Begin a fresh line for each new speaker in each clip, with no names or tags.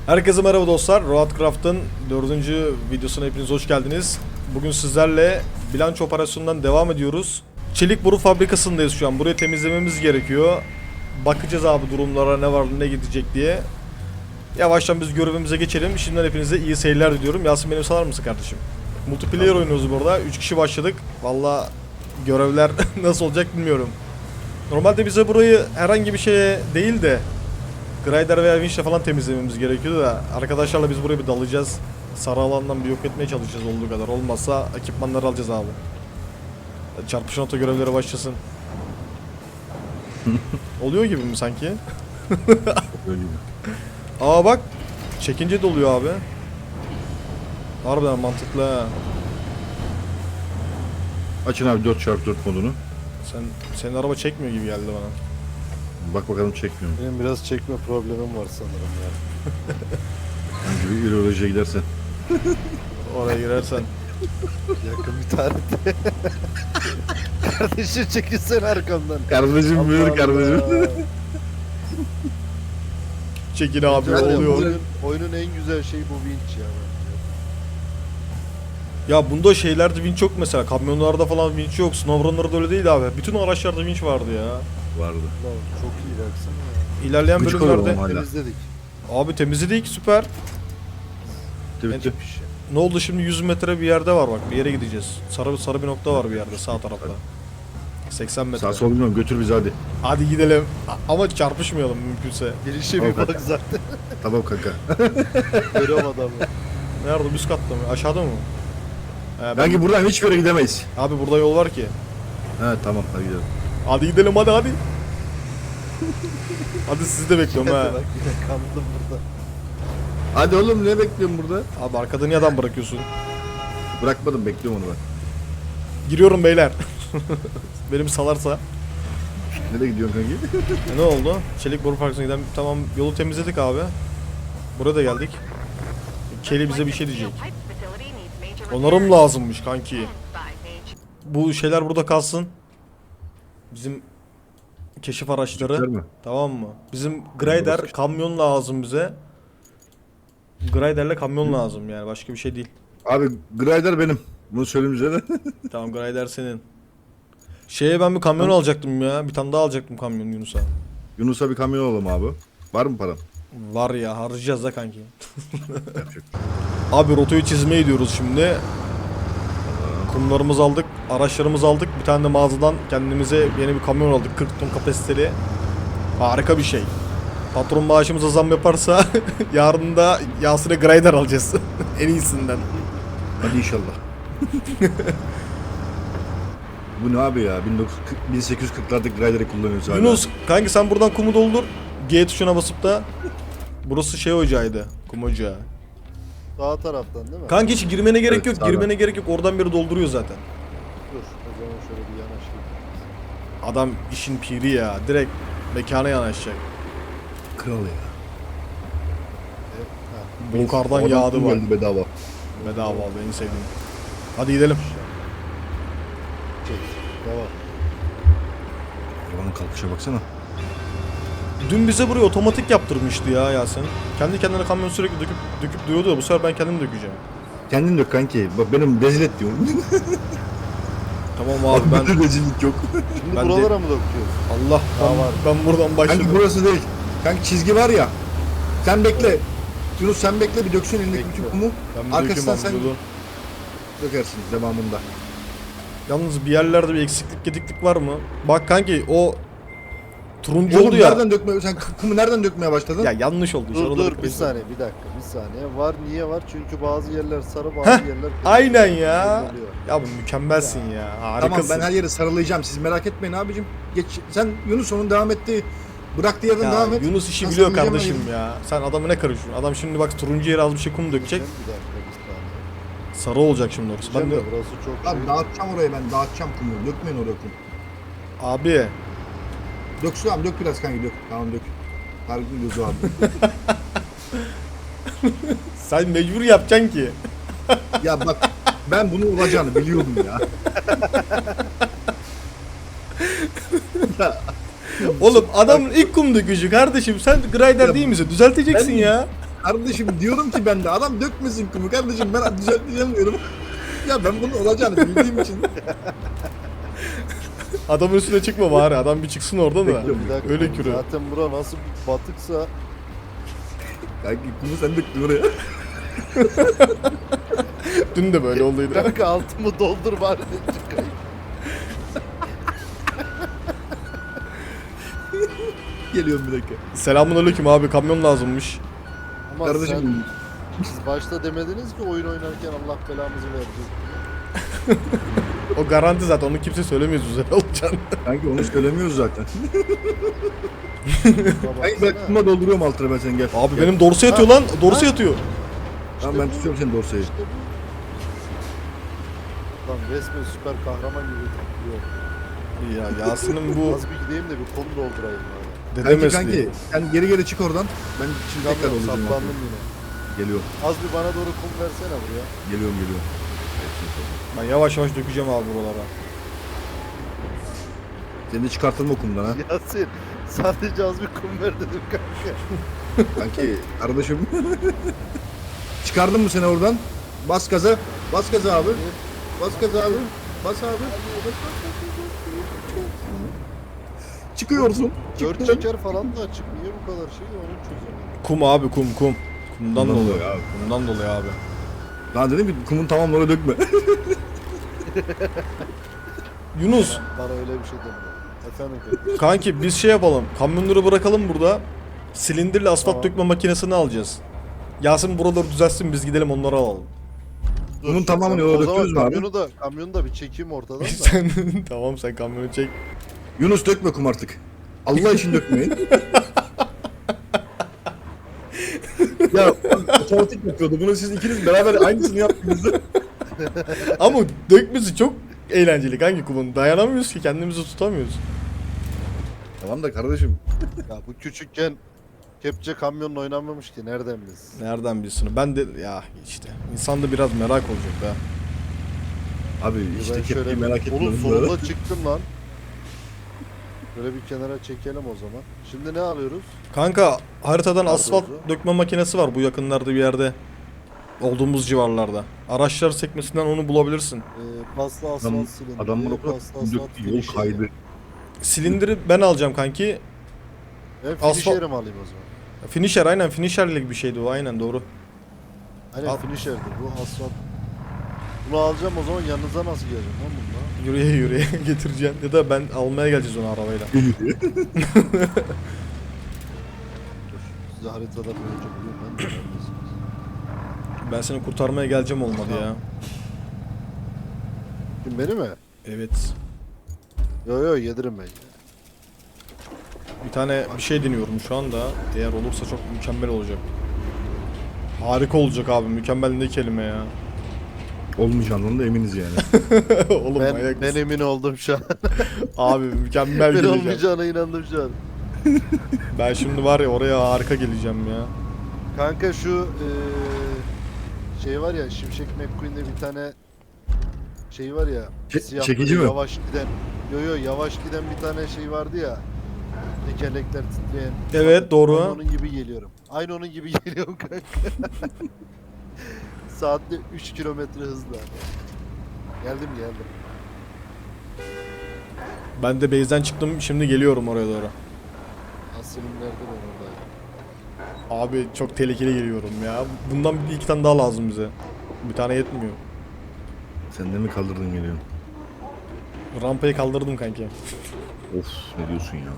Herkese merhaba dostlar. Roadcraft'ın 4. videosuna hepiniz hoş geldiniz. Bugün sizlerle bilanço operasyonundan devam ediyoruz. Çelik boru fabrikasındayız şu an. Burayı temizlememiz gerekiyor. Bakacağız abi durumlara, ne var ne gidecek diye. Yavaştan biz görevimize geçelim. Şimdiden hepinize iyi seyirler diliyorum. Yasin, benim salar mısın kardeşim? Multiplayer oynuyoruz burada. 3 kişi başladık. Valla görevler nasıl olacak bilmiyorum. Normalde bize burayı herhangi bir şeye değil de Grider veya Winch'le falan temizlememiz gerekiyordu da arkadaşlarla biz buraya bir dalacağız. Sarı alandan bir yok etmeye çalışacağız olduğu kadar. Olmazsa ekipmanları alacağız abi. Çarpışan oto görevleri başlasın. Oluyor gibi mi sanki?
Öyle gibi.
Aa bak, çekince de oluyor abi. Harbiden mantıklı ha.
Açın abi 4x4 modunu.
Senin araba çekmiyor gibi geldi bana.
Bak bakalım çekmiyor mu?
Benim biraz çekme problemim var sanırım ya.
Hangi bir ürolojiye gidersen.
Oraya girersen.
Yakın bir tarihte. Kardeşim çekilsene arkamdan.
Kardeşim
Allah
buyur
Allah.
kardeşim.
Çekin abi,
Var ya,
oluyor.
oyunun en güzel şeyi bu winch ya.
Ya bunda şeylerde winch yok mesela. Kamyonlarda falan winch yok. Snowrunner'da öyle değil abi. Bütün araçlarda winch vardı ya.
Vardı.
Lan çok iyi baksana ya.
İlerleyen
Gıcık
bölümlerde
oluyorum hala.
Temizledik.
abi temizledik, süper.
Bitti bitti.
Bir şey.
Ne oldu şimdi? 100 metre bir yerde var bak, bir yere gideceğiz. Sarı bir nokta var bir yerde sağ tarafta. 80 metre.
Sağ sol bilmiyorum, götür bizi hadi.
Hadi gidelim. Ama çarpışmayalım mümkünse.
Girişe
Tamam,
bir bak zaten.
Tamam kanka.
Görüyorum adamı.
Nerede? Üst katta mı? Aşağıda mı?
Belki buradan hiçbir yere gidemeyiz.
Abi burada yol var ki.
He tamam hadi gidelim.
Hadi gidelim, hadi. Hadi sizi de bekliyorum ha.
Bak yine kandım burada.
Hadi oğlum ne bekliyorsun burada?
Abi arkada niye adam bırakıyorsun?
Bırakmadım, bekliyorum onu ben.
Giriyorum beyler. Benim salarsa.
Nereye gidiyorsun kanki?
Ne oldu? Çelik boru parkına giden, tamam, yolu temizledik abi. Buraya da geldik. Kelly bize bir şey diyecek. Onarım lazımmış kanki. Bu şeyler burada kalsın. Bizim keşif araçları.
Çıkar mı?
Tamam mı? Bizim grader, kamyon lazım bize. Graderle kamyon lazım yani, başka bir şey değil.
Abi Grider benim. Bunu söyleyeyim size de.
Tamam, grader senin. Şeye ben bir kamyon alacaktım ya. Bir tane daha alacaktım kamyon Yunus'a.
Yunus'a bir kamyon alalım abi. Var mı param?
Var ya, harcayacağız da kanki.
Yapacak.
Abi rotayı çizmeye gidiyoruz şimdi. Kumlarımızı aldık, araçlarımızı aldık. Bir tane de mağazadan kendimize yeni bir kamyon aldık. 40 ton kapasiteli. Harika bir şey. Patron maaşımıza zam yaparsa yarın da Yasin'e Grider alacağız. En iyisinden.
Hadi inşallah. Bu ne abi ya? 1840'lardaki Grider'ı kullanıyoruz hala.
Yunus kanki, sen buradan kumu doldur. G tuşuna basıp da. Burası şey ocağıydı. Kum ocağı.
Sağ taraftan değil mi?
Kanki hiç girmene gerek
Evet,
yok.
sağdan.
Girmene gerek yok. Oradan biri dolduruyor zaten.
Dur o zaman şöyle bir yanaşayım.
Adam işin piri ya. Direkt mekana yanaşacak.
Kral ya.
Ha.
Yukarıdan
Oradan
yağdı
kum
var.
geldi bedava.
Bedava abi, en sevdiğim. Hadi gidelim.
Çek. Devam.
Arabanın kalkışa baksana.
Dün bize burayı otomatik yaptırmıştı ya Yasin. Kendi kendine kamyon sürekli döküp duruyordu ya. Bu sefer ben kendim dökeceğim.
Kendin dök kanki. Bak benim rezil et diyorum.
Tamam abi, ben
rezillik yok.
Şimdi
Ben de-
buralara mı döküyoruz?
Allah,
Daha var.
ben buradan başladım.
Kanki burası değil. Kanki çizgi var ya. Sen bekle. Yunus sen bekle, bir döksün elindeki bütün kumu.
Ben bir
Arkasından
dökeyim
sen
abi, dur.
dökersin devamında.
Yalnız bir yerlerde bir eksiklik gediklik var mı? Bak kanki, o turuncu
Oğlum
oldu ya.
nereden dökmeye, sen kumu nereden dökmeye başladın?
Ya yanlış oldu.
Dur
Sonra
dur
da-
bir saniye bir dakika bir saniye. Var niye var? Çünkü bazı yerler sarı bazı
Heh,
yerler kırmızı.
aynen ya.
Oluyor.
Ya bu mükemmelsin ya. Harikasın.
Tamam, ben her yeri sarılayacağım, siz merak etmeyin abicim. Geç, sen Yunus onun devam ettiği, bıraktığı yerden
Ya
devam et.
Yunus işi
Ben
biliyor
sarılayacağım
kardeşim
her yeri.
ya. Sen adamı ne karışıyorsun? Adam şimdi bak turuncu yere az bir şey kum dökecek.
Bir dakika bir saniye.
Sarı olacak şimdi orası. Ben de
Diyeceğim de burası çok
Abi dağıtacağım orayı, ben dağıtacağım kumu. Dökmeyin oraya kum.
abi
Döksün abi, dök biraz kanki, dök. Tamam dök. Tarık'ın gözü abi.
sen mecbur yapacaksın ki.
Ya bak, ben bunun olacağını biliyordum ya.
Oğlum adamın ilk kum dökücü kardeşim. Sen grinder
Ya
değil misin? Düzelteceksin
ben-
ya.
Kardeşim diyorum ki ben de adam dökmesin kumu kardeşim ben düzelteceğim diyorum. Ya ben bunun olacağını bildiğim için.
Adamın üstüne çıkma bari. Adam bir çıksın oradan da.
Bekliyorum.
Bir dakika,
Öyle kürü.
zaten bura nasıl bir batıksa
Kanki kumu sen döktün oraya.
Dün de böyle olduydu.
kanka altımı doldur bari de çıkayım.
Geliyorum bir dakika.
Selamünaleyküm abi. Kamyon lazımmış.
Ama
Kardeşim
siz başta demediniz ki oyun oynarken Allah belamızı verecek.
O garanti zaten. Onu kimse söylemiyor güzel olacağını.
kanki onu söylemiyoruz zaten.
Şuna
Kanki ben
baksana.
kuma dolduruyorum altına ben sen gel.
Abi
Gel.
benim dorsa yatıyor lan. Dorsa yatıyor.
Tamam ben tutuyorum seni dorsayı.
İşte bu. Lan resmen süper kahraman gibi takılıyor.
Ya Yasin'in bu
Az bir gideyim de bir konu doldurayım ya.
dede
Kanki
mesleği.
sen geri çık oradan. Ben şimdi tekrar
Çıkamıyorum,
olacağım.
saplandım yine.
Geliyorum.
Az bir bana doğru kum versene buraya.
Geliyorum.
Ben yavaş yavaş dökeceğim abi buralara.
Seni de çıkartılma kumdan ha.
Yasin sadece az bir kum ver dedim kanka.
Kanki kardeşim. Çıkardın mı seni oradan? Bas gaza. Bas gaza abi. Bas gaza abi. Bas abi. Çıkıyorsun.
4
Çıktın.
çeker falan da açık. Niye bu kadar şey onu çözemedim.
Kum abi kum. Kumdan
Kumdan
dolayı.
dolayı abi.
Kumdan dolayı abi.
Lan dedim ki kumun tamamını dökme.
Yunus
Bana öyle bir şey demiyor. Efendim kanka.
kanki biz şey yapalım. Kamyonları bırakalım burada. Silindirli asfalt
Tamam.
dökme makinesini alacağız. Yasin buraları düzeltsin biz gidelim onları alalım.
Bunun tamamını yola
O zaman
döküyoruz mu abi?
kamyonu da bir çekeyim ortadan da.
Sen tamam sen kamyonu çek.
Yunus dökme kum artık. Allah için dökmeyin. Ya otomatik yapıyordu. Bunu siz ikiniz beraber aynısını yaptınız.
Ama dökmesi çok eğlenceli kanki kumun. Dayanamıyoruz ki kendimizi tutamıyoruz.
Tamam da kardeşim.
Ya bu küçükken kepçe kamyonla oynanmamış ki nereden biz?
Nereden bilsin? Ben de ya işte insanda biraz merak olacak be.
Abi işte
Ben
kepçeyi merak etme.
Oğlum sonunda çıktım lan. Böyle bir kenara çekelim o zaman. Şimdi ne alıyoruz?
Kanka haritadan
Nerede
asfalt
o?
dökme makinesi var bu yakınlarda bir yerde. Olduğumuz civarlarda. Araçlar sekmesinden onu bulabilirsin.
Paslı asfalt
Adam,
silindiri.
adamlar o kadar
paslı asfalt
döktü, yol
finisheri.
kaydı.
Silindiri ben alacağım kanki.
Ben
Asfalt-
finisher'i mi alayım o zaman?
Finisher aynen finisherlik bir şeydi o aynen doğru.
Aynen
Al.
finisher'dir bu asfalt. Bunu alacağım o zaman yanınıza nasıl geleceğim lan bununla?
Yürüye getireceğim ya da ben almaya geleceğiz onu arabayla.
Dur size haritada böylece bulayım ben de neredesiniz?
Ben seni kurtarmaya geleceğim olmadı ya.
Kim beni mi?
Evet.
Yo yedirim ben.
Bir tane bir şey deniyorum şu anda. Eğer olursa çok mükemmel olacak. Harika olacak abi. Mükemmel ne kelime ya.
Olmayacağından da eminiz yani.
Oğlum
Ben
manyak mısın?
emin oldum şu an.
Abi mükemmel
Ben
geleceğim.
olmayacağına inandım şu an.
Ben şimdi var ya oraya harika geleceğim ya.
Kanka şu şey var ya Şimşek McQueen'de bir tane şey var ya siyah
çekici
böyle
mi?
yavaş giden yavaş giden bir tane şey vardı ya tekerlekler titreyen.
Evet doğru.
Aynı onun gibi geliyorum. Aynı onun gibi geliyorum kanka. Saatte 3 kilometre hızla. Geldim.
Ben de base'den çıktım şimdi geliyorum oraya doğru.
Aslım nerede ben oradayım.
Abi çok tehlikeli geliyorum ya. Bundan bir iki tane daha lazım bize. Bir tane yetmiyor.
Sen de mi kaldırdın geliyorsun?
Rampayı kaldırdım kanki.
Of ne diyorsun ya?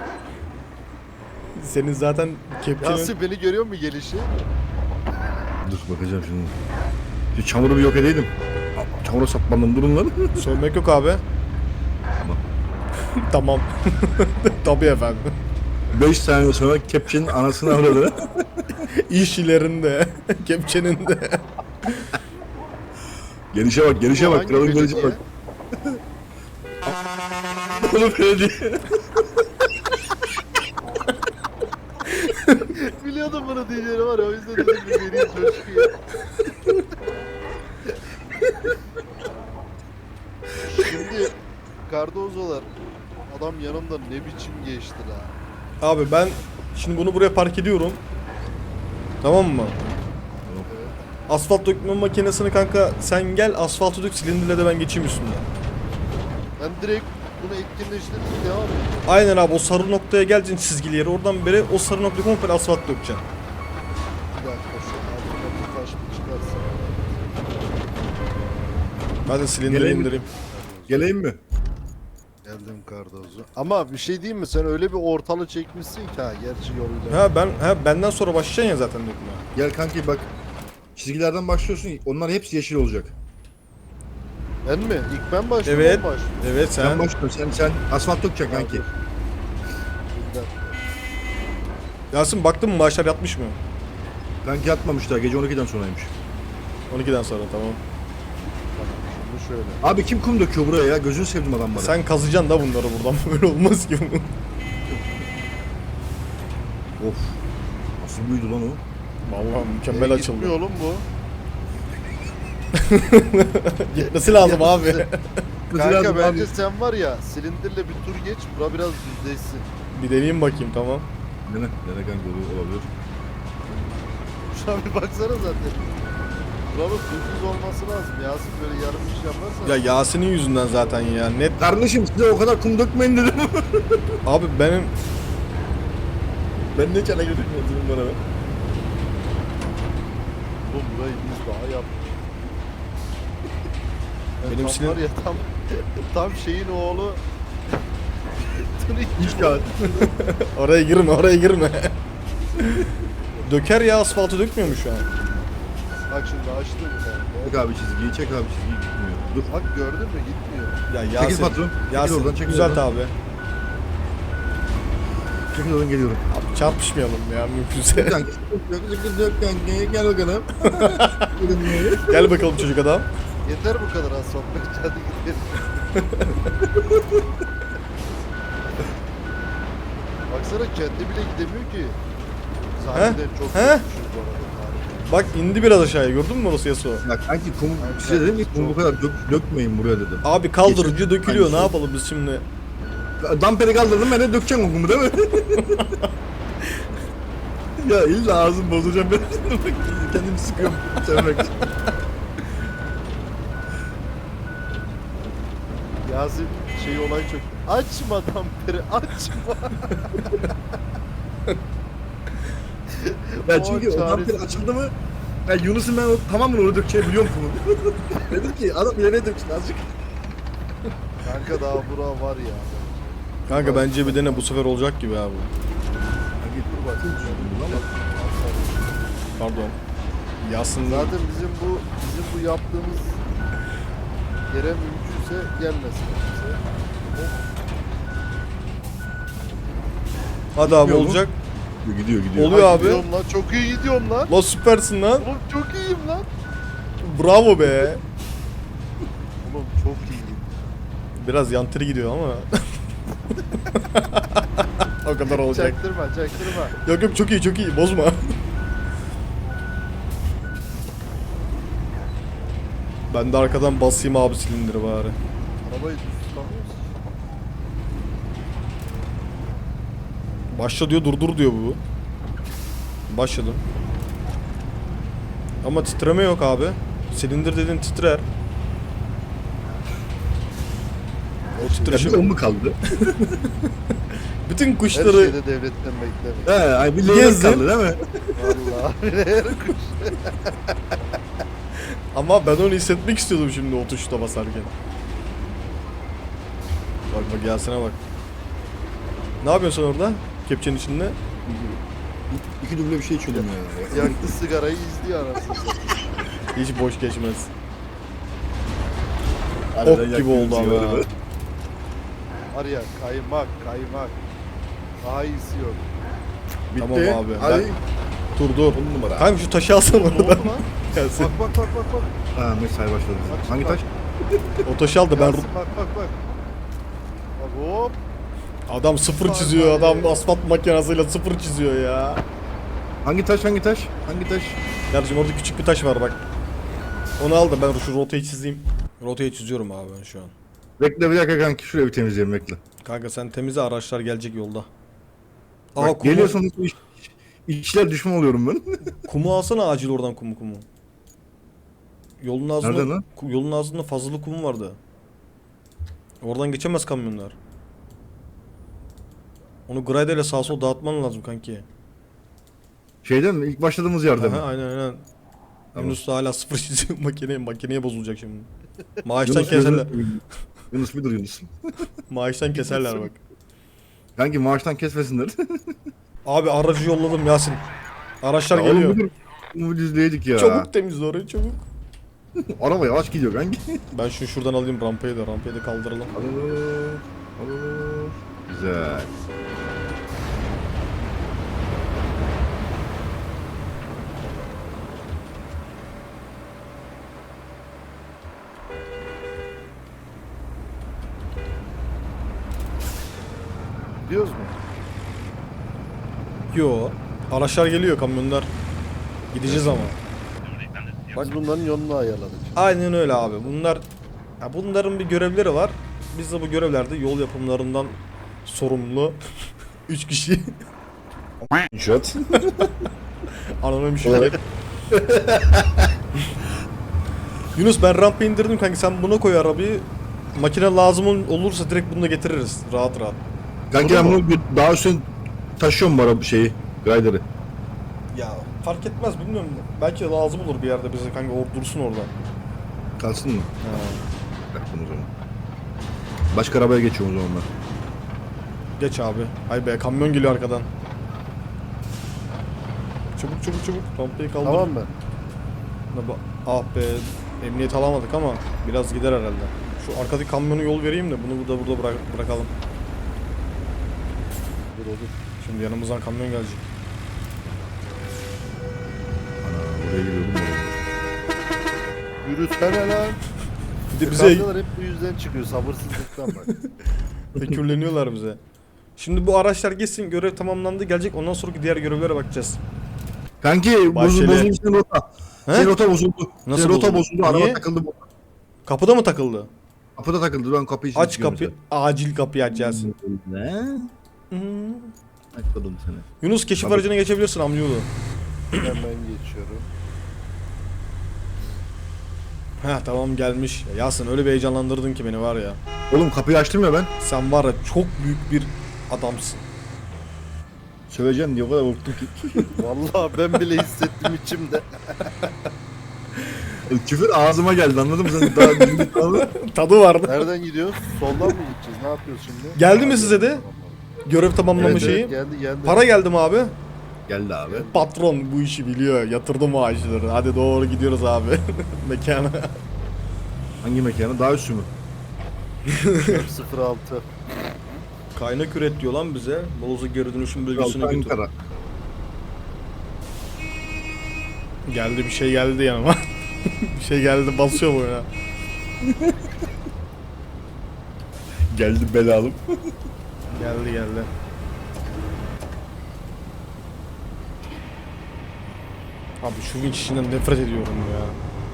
Senin zaten kepçenin...
Yasin beni görüyor mu gelişi?
Dur bakacağım şimdi. Şu çamuru bir yok edeydim. Çamura saplandım durun lan.
Sövmek yok abi.
Tamam.
Tamam. Tabii efendim.
5 saniye sonra kepçenin anasını avradı.
İş ilerinde. Kepçenin de.
Gelişe bak
Bu
bak.
hangi
Kralın gelişe
belediye?
bak. Oğlum belediye.
Biliyordum bunu diyeceğini var ya o yüzden dedim bir vereyim coşkuyu. Şimdi Cardozo'lar adam yanımda ne biçim geçti la.
Abi ben şimdi bunu buraya park ediyorum. Tamam mı?
Evet.
Asfalt dökme makinesini kanka sen gel asfaltı dök, silindirle de ben geçeyim üstünden.
Ben direkt bunu etkinleştirdim, devam et.
Aynen abi, o sarı noktaya geleceksin, çizgili yere, oradan beri o sarı noktayı komple asfalt dökeceksin.
Bir dakika şu altına bir taş bir çıkarsın.
Ben de silindiri
Geleyim mi?
indireyim.
Geleyim mi?
Geldim Cardozo. Ama bir şey diyeyim mi? Sen öyle bir ortalı çekmişsin ki ha, gerçi yoluyla.
Benden sonra başlayacaksın ya zaten dökmeye.
Gel kanki bak. Çizgilerden başlıyorsun. Onlar hepsi yeşil olacak.
Ben mi? İlk ben başlıyorum.
Evet.
o başlıyor.
Evet
Sen
sen.
başlıyorsun. Sen asfalt dökeceksin kanki.
Bir dakika.
Yasin baktın mı maaşlar yatmış mı?
Kanki yatmamışlar. Gece 12'den sonraymış.
12'den sonra tamam.
Tamam, şimdi şöyle.
Abi kim kum döküyor buraya ya? Gözünü sevdim adamları.
Sen kazıyacaksın da bunları buradan, böyle olmaz ki.
Of. Nasıl büyüdü lan o?
Vallahi mükemmel açıldı.
Gitmiyor oğlum bu.
Gitmesi lazım abi.
Kanka
lazım
bence
abi.
sen var ya silindirle bir tur geç. Bura biraz düzleşsin.
Bir deneyeyim bakayım, tamam.
Dene kanki olabilir.
Şuna bir baksana zaten. Buranın düz olması lazım. Yasin böyle yarım iş yaparsan.
Ya Yasin'in yüzünden zaten ya, net.
Kardeşim size o kadar kum dökmeyin dedim.
Abi benim
Ben ne çana götürmüyorum bana be.
Oğlum burayı biz daha yaptık.
Benim
tam
silin-
var ya tam şeyin oğlu.
Hiç kağıt.
oraya girme. Döker ya, asfaltı dökmüyor mu şu an?
Bak şimdi açtım kanka.
Çek abi çizgiyi, çek abi çizgiyi gitmiyor. Dur.
Bak gördün mü gitmiyor.
Ya
Çekil
Yasin,
patron.
Yasin
Çekil oradan, çekil
düzelt
oradan.
abi.
Çekil oradan geliyorum.
Abi çarpışmayalım ya mümkünse.
Kanki, dök kanki, gel bakalım.
Gel bakalım çocuk adam.
Yeter bu kadar az sohbet. Hadi gidelim. Baksana kendi bile gidemiyor ki. Sahiden çok
He?
kötüymüş bu arada. Harika.
Bak indi biraz aşağıya, gördün mü orası Yasuo?
Ya kanki kum, size dedim ki kum bu kadar dökmeyin buraya dedim.
Abi kaldırınca dökülüyor, ne
Aynısı.
yapalım biz şimdi?
Damperi kaldırdım ben de dökeceğim o kumu değil mi? Ya illa ağzım bozacağım ben. Kendimi sıkıyorum sevmek için.
Yasin şey olay çok. Açma damperi açma.
Ya
O
çünkü o damperi
çaresiz.
açıldı mı ya Yunus'un ben tamamen onu dökeceği biliyorum kumu. Dedim ki adam ileri döksün azıcık.
Kanka daha bura var ya.
Kanka bence bir dene, bu sefer olacak gibi abi.
Kanki dur bak.
Pardon. Yasin
Zaten bizim bu yaptığımız yere mümkünse gelmesin kimse.
hadi abi
Gidiyor mu?
olacak.
Gidiyor.
Oluyor abi.
Gidiyorum lan, çok iyi gidiyorum lan.
La süpersin lan.
Oğlum çok iyiyim lan.
Bravo be.
Oğlum çok iyiyim.
Biraz yantırı gidiyor ama. O kadar olacak.
Çaktırma.
Yok çok iyi bozma. Ben de arkadan basayım abi silindiri bari.
Arabayı düz tutamıyorsun.
Başla diyor, durdur diyor bu. Başladım. Ama titreme yok abi. Silindir dedin titrer. O
Ya
titreşim.
bir o mu kaldı?
Bütün
Her
kuşları
şeyde devletten bekleme.
He, ay bir leğen
Gezdim.
kaldı değil mi?
Vallahi her kuş.
ama ben onu hissetmek istiyordum şimdi o tuşta basarken. Bak Yasin'e bak. Ne yapıyorsun sen orada? Kepçenin içinde.
İki duble bir şey içiyordum ya.
Yaktı sigarayı izliyor anasını satayım.
Hiç boş geçmez.
Harbiden
Ok gibi
yaktım
oldu ama.
sigaramı.
ya.
Var ya kaymak. Daha iyisi yok.
Bitti.
Tamam abi,
Hadi.
Dur.
On numara.
Kanka şu taşı alsana
Ne oldu
oradan.
lan?
Yasin.
Bak.
Ha mesai başladı.
Bak,
Hangi
bak.
taş?
O taşı al da ben...
Yasin, bak. Bak hop.
Adam sıfır
Vay
çiziyor.
vay.
Adam asfalt makinesiyle sıfır çiziyor ya.
Hangi taş?
Kardeşim orada küçük bir taş var bak. Onu al da ben şu rotayı çizeyim. Rotayı çiziyorum abi ben şu an.
Bekle bir dakika kanki şuraya bir temizleyelim bekle.
Kanka sen temizle, araçlar gelecek yolda.
Bak,
kumu-
geliyorsun İçler düşman oluyorum ben.
Kumu alsana acil oradan kumu. Yolun
Nereden
ağzında
lan?
yolun ağzında fazlalı kum vardı. Oradan geçemez kamyonlar. Onu graderle sağa sola dağıtman lazım kanki.
Şeyden mi? İlk başladığımız yerde mi?
Aha, aynen.
Tamam.
Yunus da hala sıfır çiziyor makineye bozulacak şimdi. Maaştan
Yunus,
keserler.
Yunus bir dur Yunus.
Maaştan keserler bak.
Kanki maaştan kesmesinler.
Abi aracı yolladım Yasin. Araçlar
Ya oğlum
geliyor.
bir dur. Bunu izleydik ya.
Çabuk temizle orayı çabuk.
Araba yavaş gidiyor kanki.
Ben şunu şuradan alayım rampayı da kaldıralım.
Alır. Alır. Güzel.
Biliyoruz mu?
Yo. Araçlar geliyor kamyonlar. Gideceğiz ama.
Biz bunların yolunu ayarladık.
Aynen öyle abi. Bunların bir görevleri var. Biz de bu görevlerde yol yapımlarından sorumlu 3 kişi.
İnşaat.
Anonim şirket. Yunus ben rampa indirdim kanka, sen buna koy arabayı. Makine lazım olursa direkt bunu da getiririz rahat rahat.
Kanki ben bunu daha üstüne taşıyorum bu araba şeyi. Grider'ı.
Ya fark etmez, bilmiyorum. Belki lazım olur bir yerde bize kanka, dursun orada.
Kalsın mı?
Ha.
Bıraktım o zaman. Başka arabaya geçiyorum o zaman ben.
Geç abi. Hay be, kamyon geliyor arkadan. Çabuk rampayı kaldır.
Tamam mı?
Ah be, emniyet alamadık ama biraz gider herhalde. Şu arkadaki kamyonu yol vereyim de bunu burada bırakalım.
Dur.
Şimdi yanımızdan kamyon gelecek.
Ana oraya gidiyordum oraya.
Yürüsene lan.
Bir de bize
Kavgalar hep bu yüzden çıkıyor. Sabırsızlıktan bak.
tekürleniyorlar bize. Şimdi bu araçlar geçsin, görev tamamlandı, gelecek, ondan sonraki diğer görevlere bakacağız.
Kanki
Bahçeli.
bozuldu senin rota.
He?
Senin rota bozuldu.
Nasıl
Senin rota
bozuldu?
bozuldu.
Niye?
Araba takıldı.
Kapıda mı takıldı?
Kapıda takıldı. Ben kapıyı
Aç kapıyı. Acil kapıyı aç Yasin.
Ne?
Hmm.
Açmadım seni.
Yunus keşif
Tabii.
aracına geçebilirsin amcaoğlu.
Hemen geçiyorum.
Heh tamam, gelmiş. Ya Yasin öyle bir heyecanlandırdın ki beni var ya.
Oğlum kapıyı açtım ya ben.
Sen var ya çok büyük bir adamsın.
Söveceğim diye o kadar korktum ki.
Vallahi ben bile hissettim içimde.
Küfür ağzıma geldi, anladın mı sen? Daha dinlik aldın.
Tadı vardı.
Nereden gidiyoruz? Soldan mı gideceğiz? Ne yapıyoruz şimdi?
Geldi mi size de? Görev tamamlama
Evet,
şeyi.
Geldi.
Para geldi mi abi?
Geldi abi.
Patron bu işi biliyor. Yatırdı maaşları. Hadi doğru gidiyoruz abi. Mekana.
Hangi mekanı? Daha üstü mü?
06.
Kaynak üret diyor lan bize. Moloz'a geri dönüşüm bölgesine götür.
Ankara.
Geldi, bir şey geldi yanıma. Bir şey geldi, basıyor boyuna.
Geldi belalım.
Geldi. Abi şu vinç işinden nefret ediyorum ya.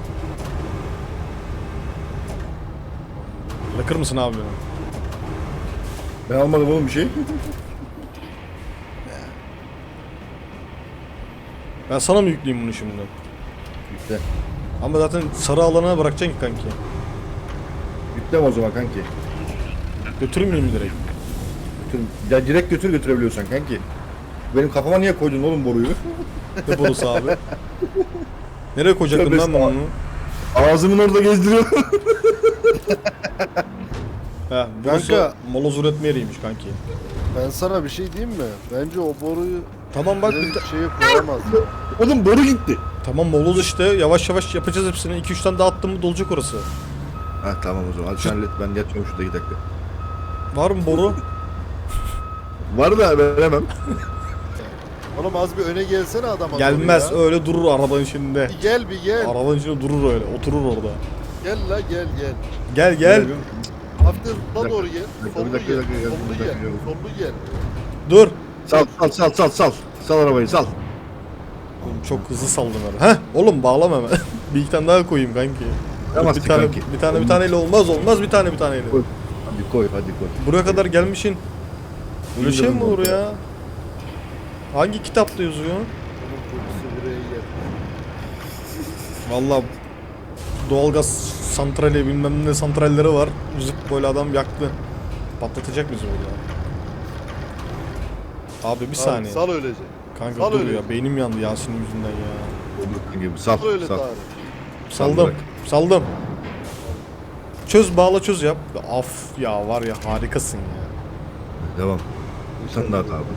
Bırakır mısın abi beni?
Ben almadım oğlum bir şey.
Ben sana mı yükleyeyim bunu şimdi?
Yükle.
Ama zaten sarı alana bırakacaksın ki kanki.
Yükleme o zaman kanki.
Götürmeyeyim mi direkt?
Götür. Ya direkt götürebiliyorsan kanki. Benim kafama niye koydun oğlum boruyu?
Ne borusu abi? Nereye koyacaktın
Tövbe
lan ben onu?
Ağzımın orada gezdiriyor.
He, burası
Kanka.
moloz üretme yeriymiş kanki.
Ben sana bir şey diyeyim mi? Bence o boruyu
Tamam bak,
direkt şeye koyamaz.
Oğlum boru gitti.
tamam moloz işte, yavaş yavaş yapacağız hepsini. 2-3 tane daha attım mı dolacak orası.
Ha tamam o zaman. Hadi sen hallet, ben yatıyorum şurada 2 dakika.
Var mı boru?
Var da veremem.
Oğlum az bir öne gelsene adama.
Gelmez,
doğru ya.
öyle durur arabanın içinde.
Bir gel bir gel.
Arabanın içinde durur öyle, oturur orada.
Gel la gel.
Gel.
Hafif la doğru gel.
Bir dakika,
Sollu
bir dakika,
gel.
bir
Sollu
dakika,
gel.
bir dakika.
Sollu gel.
Dur.
Sal. Sal arabayı sal.
Oğlum çok hızlı saldın ara. Heh, oğlum bağlama hemen. Bir iki tane daha koyayım kanki.
Tamam,
bir tane
kanki.
bir taneyle olmaz bir taneyle.
Koy. Hadi koy.
Buraya kadar gelmişsin. Böyle şey mi olur ya? Hangi kitapta yazıyor?
Onun kokusu buraya geldi.
Vallahi doğalgaz santrali bilmem ne santralleri var. Zıp böyle adam yaktı. Patlatacak bizi burada. Abi bir saniye.
Sal öylece.
Kanka
sal
dur
öyle.
ya, beynim yandı Yasin'in yüzünden ya.
Olur gibi. Sal.
Sal öyle
Sal.
Tarık.
Saldım.
bırak.
Saldım. Çöz bağla çöz yap. Af ya, var ya harikasın ya.
Devam. Sen daha abi.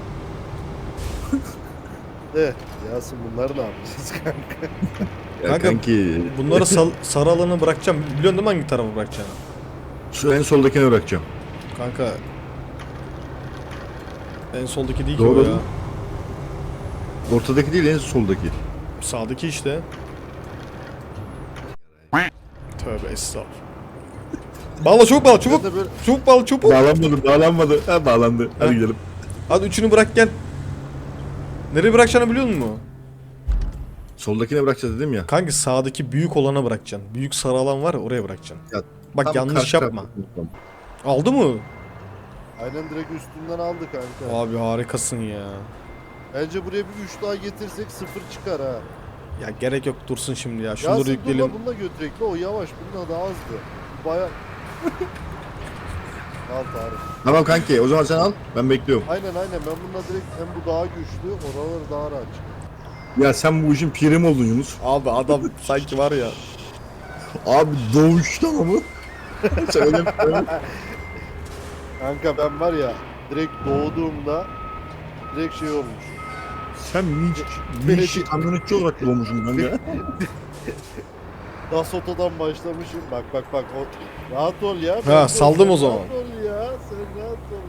Yasin bunları ne yapacağız kanka?
Ya
Kanka,
kanki.
Bunları sarı alana bırakacağım. Biliyorsun değil mi hangi tarafa bırakacağını?
Şu en soldakine bırakacağım.
Kanka en soldaki değil ki
Doğru.
o ya.
Ortadaki değil, en soldaki.
Sağdaki işte. Tövbe estağfurullah. Bağla, çabuk bağla, çabuk.
Ben de böyle-
Çabuk bağla, çabuk.
Bağlanmadı. Ha, bağlandı. Hadi gidelim.
Hadi üçünü bırak gel. Nereye bırakacağını biliyor musun?
Soldakine bırakacağız dedim ya.
Kanka sağdaki büyük olana bırakacaksın. Büyük sarı alan var ya, oraya bırakacaksın.
Ya,
Bak
tam
yanlış
karşı
yapma.
tarafta.
Aldı mı?
Aynen direkt üstünden aldı kanka.
Abi harikasın ya.
Bence buraya bir 3 daha getirsek 0 çıkar ha.
Ya gerek yok, dursun şimdi ya. Şunları
Yasin
yükleyelim.
bununla götürek la, o yavaş, bununla daha hızlı. Baya... Al Tarık.
Tamam kanki, o zaman sen al. Ben bekliyorum.
Aynen ben bununla direkt, hem bu daha güçlü, oraları daha rahat çıkıyor.
Ya sen bu işin piri mi oldun Yunus?
Abi adam sanki var ya.
Abi doğuştan mı? Sen öyle
Kanka ben var ya, direkt doğduğumda direkt şey olmuş.
Sen minçi kamyonetçi olarak doğmuşsun kanka.
Dasoto'dan başlamışım. Bak o, rahat ol ya.
Ha, saldım o zaman.
Rahat ol ya, sen rahat ol.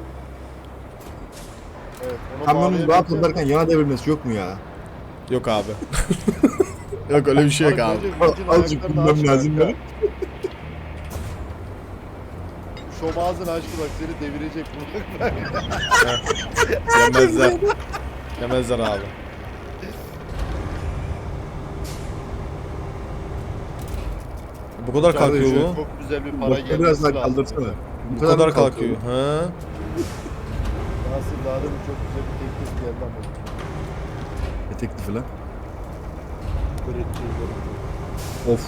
Evet, onu
Kamyonun rahat
bağlayabileceğim.
ederken yana devrilmesi yok mu ya?
Yok abi. Yok öyle bir şey yok abi.
Bence vincin
Azıcık
ayaklarını aç
bilmem lazım
kanka.
ya.
Şom ağzını açtı bak, seni devirecek bu.
Yemezler. Yemezler abi. Bu kadar kalkıyor
Kardeşim,
bu.
Çok güzel bir para
Bak
gelmesi
biraz daha
lazım.
kaldırsana.
Bu kadar kalkıyor. Ha?
Nasıl daha da çok güzel bir teklif geldi ama.
Ne teklifi lan?
Kırıkçı.
Of.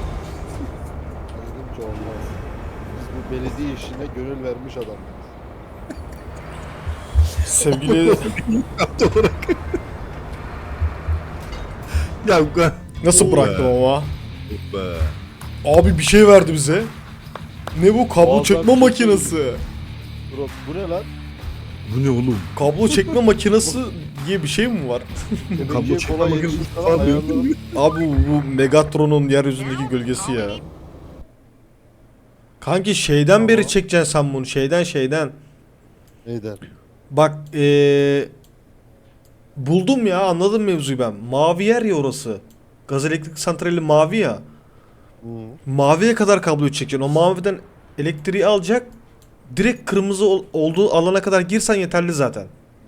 Dedim ki olmaz. Biz bu belediye işine gönül vermiş adamız.
Sevgili
Yaptı olarak. Ya bu kadar.
nasıl
Oo
bıraktım
be.
ama?
Of be.
Abi bir şey verdi bize. Ne bu? Kablo
Muazzam
çekme
bir şey
makinesi.
Bro, bu ne lan?
Bu ne oğlum?
Kablo çekme makinesi diye bir şey mi var?
Kablo
Bence
çekme
kolay
makinesi
yetişmiş
falan
falan
diyor.
ayarlı.
Abi bu Megatron'un yeryüzündeki gölgesi ya. Kanki şeyden beri
Tamam.
çekeceksin sen bunu. Şeyden.
Neyden?
Bak buldum ya, anladım mevzuyu ben. Mavi yer ya orası. Gaz elektrik santrali mavi ya.
Hı.
Maviye kadar kabloyu çekeceksin. O maviden elektriği alacak. Direkt kırmızı olduğu alana kadar girsen yeterli zaten.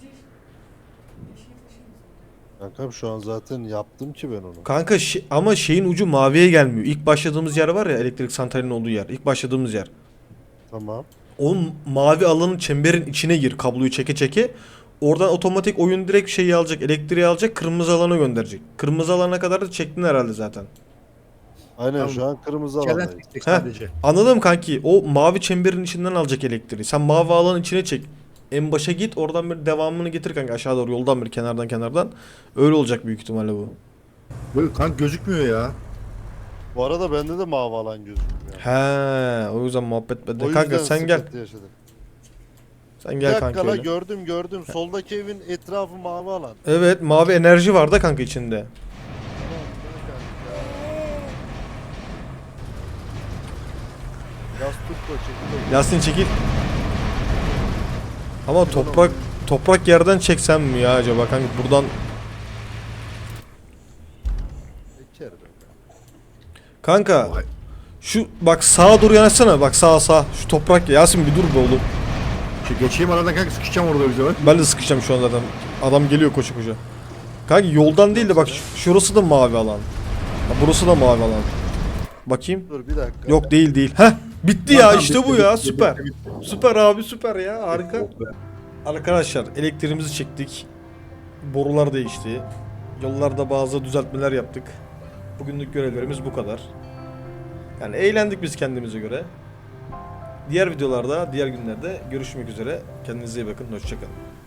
Kankam şu an zaten yaptım ki ben onu.
Kanka ama şeyin ucu maviye gelmiyor. İlk başladığımız yer var ya, elektrik santralinin olduğu yer. İlk başladığımız yer.
Tamam.
O mavi alanın çemberin içine gir kabloyu çeke çeke. Oradan otomatik oyun direkt şeyi alacak, elektriği alacak, kırmızı alana gönderecek. Kırmızı alana kadar da çektin herhalde zaten.
Aynen
Tamam.
şu an kırmızı
Çelen
alandayız.
çekecek
Heh.
sadece.
Anladım kanki. O mavi çemberin içinden alacak elektriği. Sen mavi alanın içine çek. En başa git, oradan bir devamını getir kanka, aşağı doğru yoldan bir kenardan. Öyle olacak büyük ihtimalle bu.
Böyle kanka gözükmüyor ya.
Bu arada bende de mavi alan gözükmüyor.
He, o yüzden muhabbet bende.
O
Kanka
yüzden
sen gel.
sıkıntı yaşadım.
Sen
Bir
gel
dakika
kanka
la,
öyle.
gördüm. Soldaki evin etrafı mavi alan.
Evet, mavi enerji var da kanka içinde.
Tamam, kanka. Yaz tut da çekil.
Yasin çekil. Ama toprak yerden çeksem mi ya acaba kanka, buradan
Eker be.
kanka
Vay.
şu bak sağa doğru yanaşsana, bak sağ şu toprak, Yasin bir dur be oğlum.
Geçeyim aradan kanka, sıkışacağım orada öyle zaman.
Ben de sıkışacağım şu an zaten, adam geliyor koşu koşu. Kanka yoldan değil de bak şurası da mavi alan. Ha, burası da mavi alan. Bakayım.
Dur bir dakika.
Yok değil. Heh, bitti ya,
Tamam,
işte
bitti,
bu ya,
bitti,
süper.
bitti,
Süper abi, süper ya, harika.
Oh be.
Arkadaşlar elektriğimizi çektik. Borular değişti. Yollarda bazı düzeltmeler yaptık. Bugünlük görevlerimiz bu kadar. Yani eğlendik biz kendimize göre. Diğer videolarda, diğer günlerde görüşmek üzere. Kendinize iyi bakın. Hoşça kalın.